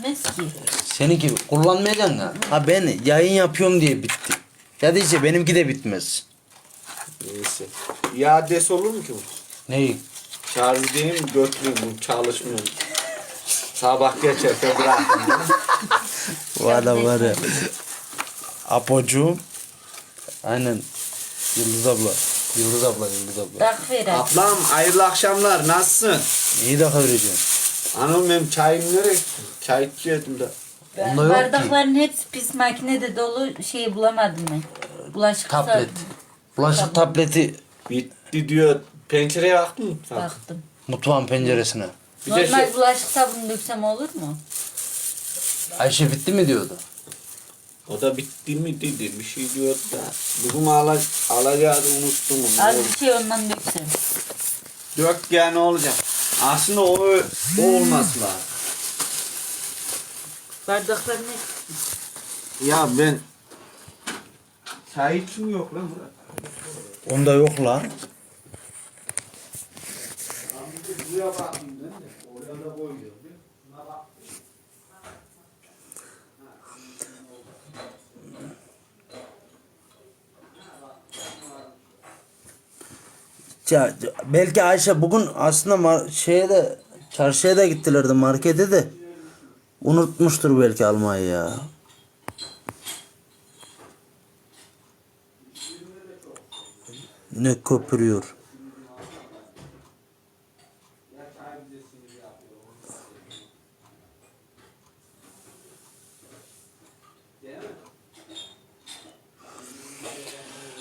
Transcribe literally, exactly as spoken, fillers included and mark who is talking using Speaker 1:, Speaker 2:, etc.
Speaker 1: bitmez ki.
Speaker 2: Seninki kullanmayacaksın ya. Ha ben yayın yapıyorum diye bitti. Ya diyece benimki de bitmez.
Speaker 3: Neyse. İadesi olur mu ki bu?
Speaker 2: Neyi?
Speaker 3: Şarjı değil mi? Götüreyim bu çalışmıyor. Sabah geçerken bırakın.
Speaker 2: Var da var ya. Apocuğum. Aynen. Yıldız abla. Yıldız abla, Yıldız abla.
Speaker 1: Tak ver abi.
Speaker 3: Ablam hayırlı akşamlar. Nasılsın?
Speaker 2: İyi de vereceğim.
Speaker 3: Anam benim çayım nereye? Çay içiyordum da.
Speaker 1: Ben
Speaker 2: Onda yok ki.
Speaker 1: bardakların hepsi pis makinede dolu, şey bulamadım ben. Bulaşık
Speaker 2: Tablet.
Speaker 1: sardım.
Speaker 2: Bulaşık tableti
Speaker 3: Bitti diyor. Pencereye baktın mı? Bak.
Speaker 1: Baktım.
Speaker 2: mutfağın penceresine.
Speaker 3: Bir de
Speaker 1: Normal
Speaker 3: şey-
Speaker 1: bulaşık sabunu döksem olur mu?
Speaker 2: Ayşe bitti mi diyordu.
Speaker 3: O da bitti mi dedi. Bir şey diyor da. Bugün ala, alacağı unuttum onu.
Speaker 1: Az bir şey ondan döksem.
Speaker 3: Dök ya ne olacak? Aslında o, o olması lazım.
Speaker 1: Bardakların hepsi.
Speaker 3: Ya ben çay için yok lan Murat.
Speaker 2: Onda yok lan.
Speaker 3: Buraya bakayım ben de. Oraya da koyuyor. Şuna bak.
Speaker 2: Ya, belki Ayşe bugün aslında mar- şeye de çarşıya da gittilerdi markete de. Unutmuştur belki almayı ya. Ne köpürüyor.